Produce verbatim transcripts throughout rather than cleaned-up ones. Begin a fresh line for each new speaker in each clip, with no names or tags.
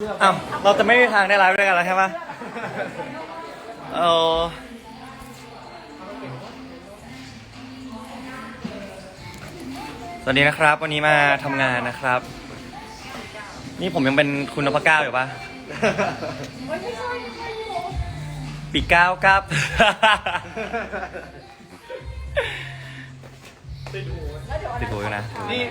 อ้าวเราจะไม่มีทางได้ไลฟ์ด้วยกันแล้วใช่ไหมเออสวัสดีนะครับวันนี้มาทำงานนะครับนี่ผมยังเป็นคุณนพเก้าอยู่ปะปีเก้าครับติดหูติดหูนะนี่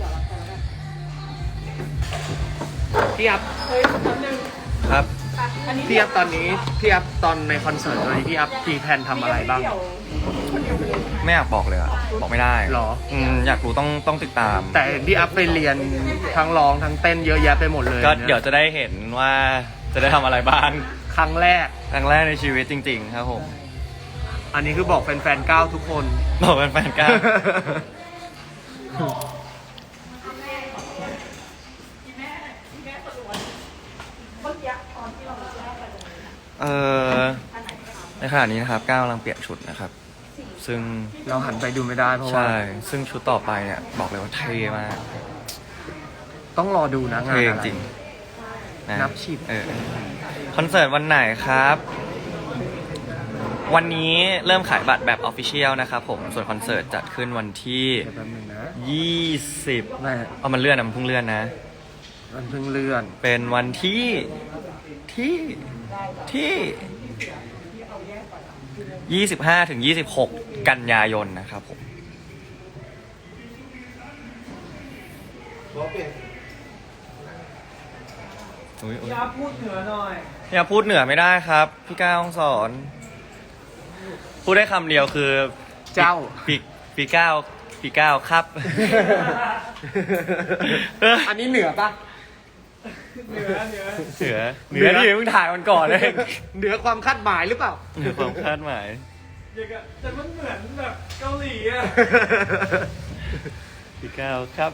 พี่อัพครับ
พี่อัพตอนนี้พี่อัพตอนในคอนเสิร์ตตอนนี้พี่อัพมีแผนทำอะไรบ้าง
ไม่อยากบอกเลยอะบอกไม่ได้
หรอ
อืมอยากรู้ต้องต้องติดตาม
แต่พี่อัพไปเรียนทั้งร้องทั้งเต้นเยอะแยะไปหมดเลย
ก็เดี๋ยวจะได้เห็นว่าจะได้ทำอะไรบ้าง
ครั้งแรก
ครั้งแรกในชีวิตจริงๆครับผม
อันนี้คือบอกแฟนๆก้าวทุกคน
บอกแฟนๆก้าวเออในขณะนี้นะครับก้าวกำลังเปลี่ยนชุดนะครับซึ่ง
เราหันไปดูไม่ได้เพราะว่า
ใช่ซึ่งชุดต่อไปเนี่ยบอกเลยว่าเท่มาก
ต้องรอดูนะงานอะไร
จริง
นับชิบ
เออคอนเสิร์ตวันไหนครับวันนี้เริ่มขายบัตรแบบ Official นะครับผมส่วนคอนเสิร์ตจัดขึ้นวันที่ยี่สิบเอามันเลื่อนนะมันเพิ่งเลื่อนนะ
มันเพิ่งเลื่อน
เป็นวันที่ที่ที่ยี่สิบห้าถึงยี่สิบหกกันยายนนะครับผม
อย่าพูดเหนือหน่อย
อย่าพูดเหนือไม่ได้ครับพี่ก้าวสอนพูดได้คำเดียวคือ
เจ้า
ปีปีก้าวปีก้าวครับ
อันนี้เหนือปะ
เหนือเหนือเหนือเหนือที่เพิ่งถ่ายมันก่อนเลย
เหนือความคาดหมายหรือเปล่า
เหนือความคาดหมาย
แต่มันเหมือนแบบเกาหลีอ่ะ
ปีก้าวครับ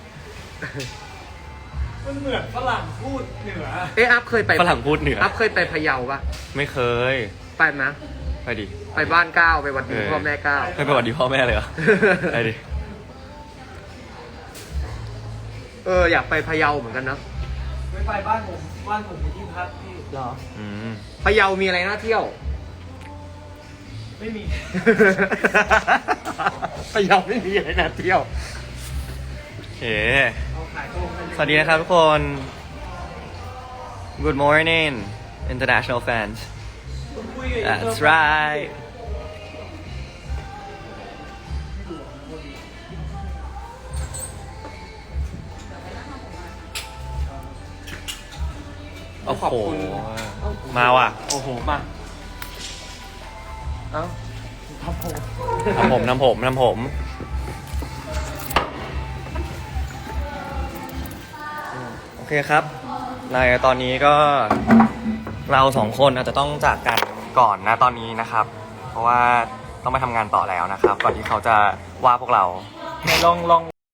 มันเหมือนฝรั่งพูดเหนือเอ๊ะอัพเคยไป
ฝรั่งพูดเหนือ
อัพเคยไปพะเยาปะ
ไม่เคย
ไปนะ
ไปดิ
ไปบ้านก้าวไปวัดดีพ่อแม่ก้าว
เคยไปวัดดีพ่อแม่เลยเหรอไปดิ
เอออยากไปพะเยาเหมือนกันนะ
ไม่ไปบ้านผมบ้านผมมีที่พักพี่
เหรอ
อืม
พะเยามีอะไรน่าเที่ยว
ไม่มี
พะเยาไม่มีอะไรน่าเที่ยว
โอเคสวัสดีนะครับทุกคน Good morning international fans That's right โอ้โหมาว่ะ
โอ้โหมาเอ้าทำผม
ทำผมทำผมทำผมโอเคครับในตอนนี้ก็เราสองคนอาจจะต้องจากกันก่อนนะตอนนี้นะครับเพราะว่าต้องไปทำงานต่อแล้วนะครับก่อนที่เขาจะว่าพวกเรา
ลองลอง